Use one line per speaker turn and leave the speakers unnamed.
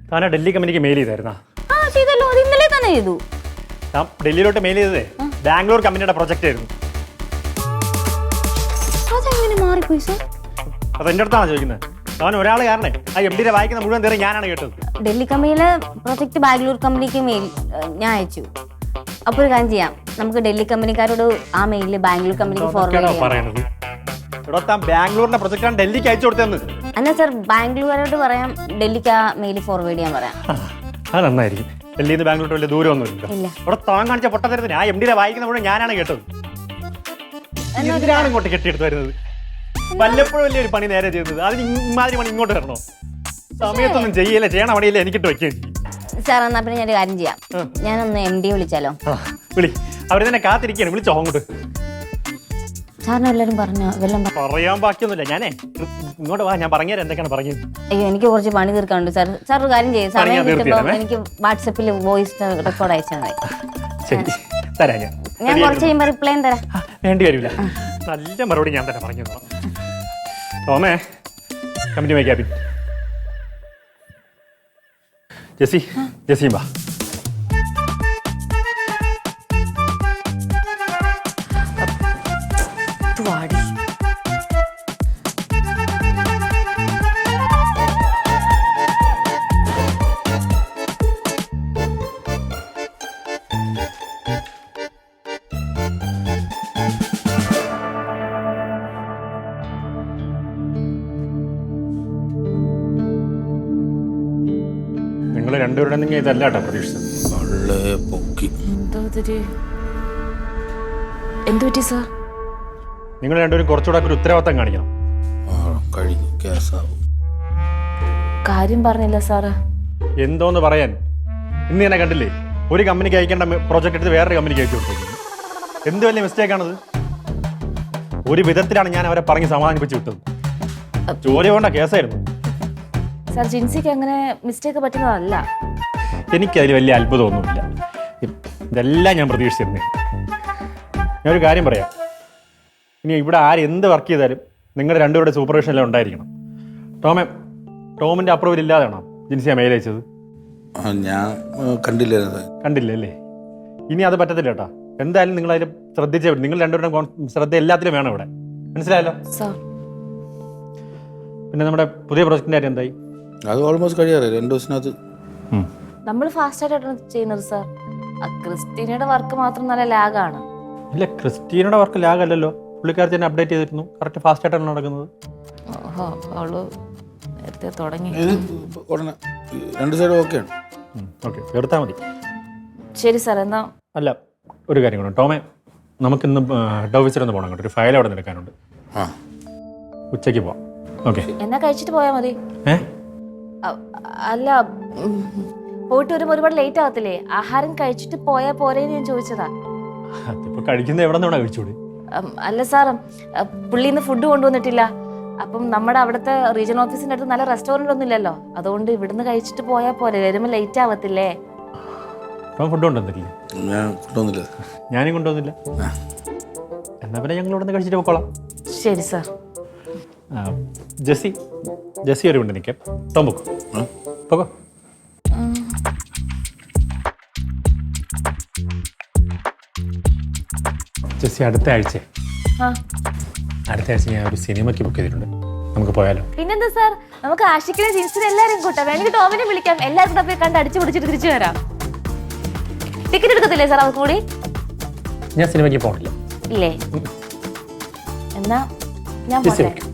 താനാ ഡൽഹി കമ്പനിക്ക് മെയിൽ ചെയ്തായിരുന്നാ?
ആ ചെയ്തല്ലോ, അത് ഇന്നലെ തന്നെ ചെയ്തു.
ഞാൻ ഡൽഹിയിലോട്ട് മെയിൽ ചെയ്തതേ ബാംഗ്ലൂർ കമ്പനിയുടെ പ്രൊജക്റ്റ് ആയിരുന്നു.
അതെങ്ങനെ മാറിപ്പോയി സാർ?
അത് എൻ്റെ അടുത്താണ് ചോദിക്കുന്നത്. അവൻ ഒരാൾ കാരണേ ആ MD വായിക്കുന്ന മുഴുവൻ തേറി ഞാനാണ് കേട്ടത്.
ഡൽഹി കമ്പനിയിലെ പ്രൊജക്ട് ബാംഗ്ലൂർ കമ്പനിക്ക് മെയിൽ ഞാൻ അയച്ചു. അപ്പോൾ ഒരു കാര്യം ചെയ്യാം, നമുക്ക് ഡൽഹി കമ്പനിക്കാരോട് ആ മെയിലിൽ ബാംഗ്ലൂർ കമ്പനിക്ക് ഫോർവേഡ് ചെയ്യാം.
പറയണത് ഇവിടെ താൻ ബാംഗ്ലൂരിന്റെ പ്രൊജക്റ്റാണ് ഡൽഹിക്ക് അയച്ചു കൊടുത്തതെന്ന്.
അല്ല സാർ, ബാംഗ്ലൂരോട് പറയാം ഡൽഹിക്ക് ആ മെയിൽ ഫോർവേഡ് ചെയ്യാൻ പറയാം.
അത് നന്നായിരിക്കും. ഡൽഹിയിൽ നിന്ന് ബാംഗ്ലൂർ വലിയ ദൂരമൊന്നുമില്ല. ഇവിടെ താൻ കാണിച്ച പൊട്ടത്തരത്തിന് ആ MD വായിക്കുന്ന മുഴുവൻ ഞാനാണ് കേട്ടത്. എന്തിനാണ് ഇങ്ങോട്ട് കെട്ടിയെടുത്ത് വരുന്നത്? വല്ലപ്പോഴും വലിയ ഒരു പണി നേരെ ചെയ്യുന്നത്, അതിന് ഇമാതിരി പണി ഇങ്ങോട്ട് വരണോ? സമയത്തൊന്നും ചെയ്യല്ലേ, ചെയ്യണ പണിയല്ലേ എനിക്കിട്ട് വയ്ക്കുകയും ചെയ്യും.
സാർ എന്നാ പിന്നെ ഞാനൊരു കാര്യം ചെയ്യാം, ഞാനൊന്ന് MD വിളിച്ചാലോ?
വിളി, അവർ തന്നെ കാത്തിരിക്കുകയാണ്, വിളിച്ചോ അങ്ങോട്ട്.
സാറിന് എല്ലാവരും പറഞ്ഞോ? വല്ലതും
പറയാൻ ബാക്കിയൊന്നുമില്ല. ഞാനേ ഇങ്ങോട്ട് വാ, ഞാൻ പറഞ്ഞുതരാം എന്തൊക്കെയാണ് പറഞ്ഞത്.
അയ്യോ, എനിക്ക് കുറച്ച് പണി തീർക്കാനുണ്ട് സാർ. സാർ ഒരു കാര്യം ചെയ്യും, സമയം കിട്ടുമ്പോൾ എനിക്ക് വാട്സപ്പിൽ വോയിസ് റെക്കോർഡ് അയച്ചാൽ മതി.
ശരി, തരാം.
ഞാൻ കുറച്ച് കഴിയുമ്പോൾ റിപ്ലൈ തരാം.
വേണ്ടി വരില്ല, നല്ല മറുപടി ഞാൻ തന്നെ പറഞ്ഞു തരാം. ടോമേ, കമ്പനി മൈ ക്യാബിൻ. ജെസ്സിയും വാ. നിങ്ങൾ രണ്ടുപേരുടെ നിങ്ങൾ ഇതല്ല കേട്ടോ പ്രതീക്ഷിച്ചത്.
എന്തുപറ്റി സാർ?
നിങ്ങൾ രണ്ടുപേരും കുറച്ചുകൂടെ ഒരു ഉത്തരവാദിത്തം കാണിക്കണം.
കാര്യം പറഞ്ഞില്ല സാറ്.
എന്തോന്ന് പറയാൻ? ഇന്ന് തന്നെ കണ്ടില്ലേ, ഒരു കമ്പനിക്ക് അയക്കേണ്ട പ്രോജക്റ്റ് എടുത്ത് വേറൊരു കമ്പനിക്ക് അയച്ചു കൊടുത്തേക്കുന്നു. എന്ത് വലിയ മിസ്റ്റേക്കാണത്? ഒരു വിധത്തിലാണ് ഞാൻ അവരെ പറഞ്ഞ് സമാധാനിപ്പിച്ച് വിട്ടത്. ജോലി കൊണ്ട കേസായിരുന്നു
സാർ. ജിൻസിക്ക് അങ്ങനെ മിസ്റ്റേക്ക് പറ്റുന്നതല്ല.
എനിക്കതിൽ വലിയ അത്ഭുതമൊന്നുമില്ല. ഇതെല്ലാം ഞാൻ പ്രതീക്ഷിച്ചിരുന്നേ. ഞാനൊരു കാര്യം പറയാം, ഇനി ഇവിടെ ആരെന്ത് വർക്ക് ചെയ്താലും നിങ്ങളുടെ രണ്ടുപേരുടെ സൂപ്പർവിഷനെല്ലാം ഉണ്ടായിരിക്കണം. ടോമിൻ്റെ അപ്രൂവൽ ഇല്ലാതെയാണോ ജിൻസിയെ മെയിൽ അയച്ചത്?
ഞാൻ
കണ്ടില്ല അല്ലേ? ഇനി അത് പറ്റത്തില്ല കേട്ടോ. എന്തായാലും നിങ്ങൾ അതിൽ ശ്രദ്ധിച്ചേ പറ്റും. നിങ്ങൾ രണ്ടുപേരുടെ ശ്രദ്ധ എല്ലാത്തിലും വേണം ഇവിടെ, മനസ്സിലായല്ലോ? പിന്നെ നമ്മുടെ പുതിയ പ്രോജക്റ്റിൻ്റെ കാര്യം എന്തായി?
അത് ഓൾമോസ്റ്റ് കഴിയാറേ, 2 ദിവസത്തിനകത്ത്.
നമ്മൾ ഫാസ്റ്റ് ആയിട്ടാണ് ചെയ്യുന്നത് സാർ. ക്രിസ്റ്റീനയുടെ വർക്ക് മാത്രം നല്ല ലാഗാണ്.
ഇല്ല, ക്രിസ്റ്റീനയുടെ വർക്ക് ലാഗ് അല്ലല്ലോ. പുള്ളിക്കാരത്തി തന്നെ അപ്ഡേറ്റ് ചെയ്തിരുന്നു. കറക്റ്റ് ഫാസ്റ്റ് ആയിട്ടാണ് നടക്കുന്നത്.
അവള് നേരത്തെ തുടങ്ങി.
ഉടനെ 2 സൈഡും ഓക്കെയാണ്.
ഓക്കെ, എടുത്താൽ മതി.
ശരി സാർ. എന്നാ
അല്ല, ഒരു കാര്യം കൂടെ ടോമേ, നമുക്കിന്ന് ഹെഡ് ഓഫീസിലൊന്ന് പോകണം കേട്ടോ. ഒരു ഫയൽ അവിടെ നിന്ന് എടുക്കാനുണ്ട്. ഉച്ചയ്ക്ക് പോവാം. ഓക്കെ,
എന്നാ കഴിച്ചിട്ട് പോയാൽ മതി. അല്ല, പോയിട്ട് വരുമ്പോൾ ഒരുപാട് ലേറ്റ് ആകത്തില്ലേ? ആഹാരം കഴിച്ചിട്ട് പോയാൽ പോരേന്ന് ഞാൻ ചോദിച്ചതാ.
അതിപ്പോ കഴിക്കുന്നത് എവിടെ നിന്നാണ് കഴിച്ചൂടെ?
അല്ല സാർ, പുള്ളിന്ന് ഫുഡ് കൊണ്ടുവന്നിട്ടില്ല. അപ്പം നമ്മുടെ അവിടുത്തെ റീജിയണൽ ഓഫീസിന്റെ അടുത്ത് നല്ല റെസ്റ്റോറന്റ് ഒന്നും ഇല്ലല്ലോ. അതുകൊണ്ട് ഇവിടുന്ന് കഴിച്ചിട്ട് പോയാൽ പോരെ, വരുമ്പോൾ ലേറ്റ് ആവത്തില്ലേ?
ഫുഡ് കൊണ്ടുവന്നിട്ടില്ലേ? ഞാനും കൊണ്ടുവന്നില്ല. എന്നാ പിന്നെ ഞങ്ങൾ ഇവിടുന്ന് കഴിച്ചിട്ട് പോക്കോളാം.
ശരി സാർ.
ജെസ്സി ഒരു കൊണ്ട് നിൽക്കാം. ടോം പോക്കോ. ജെസ്സി, അടുത്ത ആഴ്ച ഞാൻ ഒരു സിനിമയ്ക്ക് ബുക്ക് ചെയ്തിട്ടുണ്ട്. നമുക്ക് പോയാലോ?
പിന്നെന്താ സാർ, നമുക്ക് ആഷിക്കിനെ ജിൻസിനെ എല്ലാവരും കൂട്ടാം. വേണമെങ്കിൽ ടോമിനെ വിളിക്കാം. എല്ലാവരും കൂടെ പോയി കണ്ട് അടിച്ചു പിടിച്ചിട്ട് തിരിച്ചു വരാം. ടിക്കറ്റ് എടുക്കത്തില്ലേ സാർ അവർക്ക് കൂടി?
ഞാൻ സിനിമയ്ക്ക് പോകണില്ല.
ഇല്ലേ? എന്നാ ഞാൻ